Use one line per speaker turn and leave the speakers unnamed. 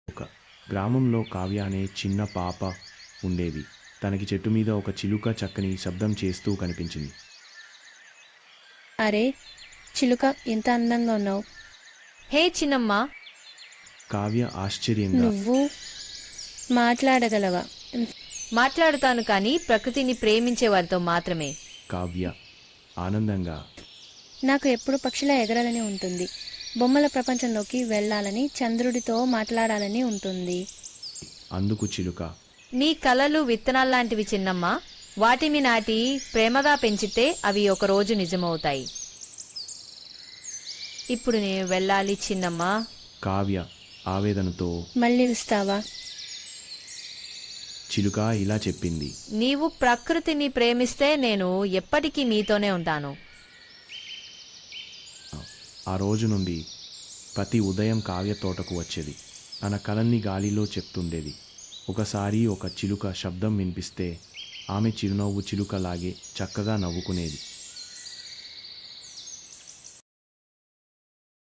ఒక గ్రామంలో కావ్య అనే చిన్న పాప ఉండేది. తనకి చెట్టు మీద ఒక చిలుక చక్కని శబ్దం చేస్తూ కనిపించింది.
అరే చిలుక, ఎంత అందంగా ఉన్నావు.
హే చిన్నమ్మా,
కావ్య ఆశ్చర్యంగా
నువ్వు మాట్లాడగలవా?
మాట్లాడుతాను కానీ ప్రకృతిని ప్రేమించే వారితో మాత్రమే.
కావ్య ఆనందంగా
నాకు ఎప్పుడు పక్షిలా ఎగరాలని ఉంటుంది. బొమ్మల ప్రపంచంలోకి వెళ్ళాలని, చంద్రుడితో మాట్లాడాలని ఉంటుంది.
అందుకు చిలుక
నీ కలలు విత్తనాల్లాంటివి చిన్నమ్మా. వాటిని నాటి ప్రేమగా పెంచితే అవి ఒకరోజు నిజమవుతాయి. ఇప్పుడు నేను వెళ్ళాలి చిన్నమ్మా.
కావ్య ఆవేదనతో
మళ్ళీ వస్తావా?
చిలుక ఇలా చెప్పింది.
నీవు ప్రకృతిని ప్రేమిస్తే నేను ఎప్పటికీ నీతోనే ఉంటాను.
ఆ రోజు నుండి ప్రతి ఉదయం కావ్య తోటకు వచ్చేది. తన కలల్ని గాలిలో చెప్తుండేది. ఒకసారి ఒక చిలుక శబ్దం వినిపిస్తే ఆమె చిరునవ్వు చిలుకలాగే చక్కగా నవ్వుకునేది.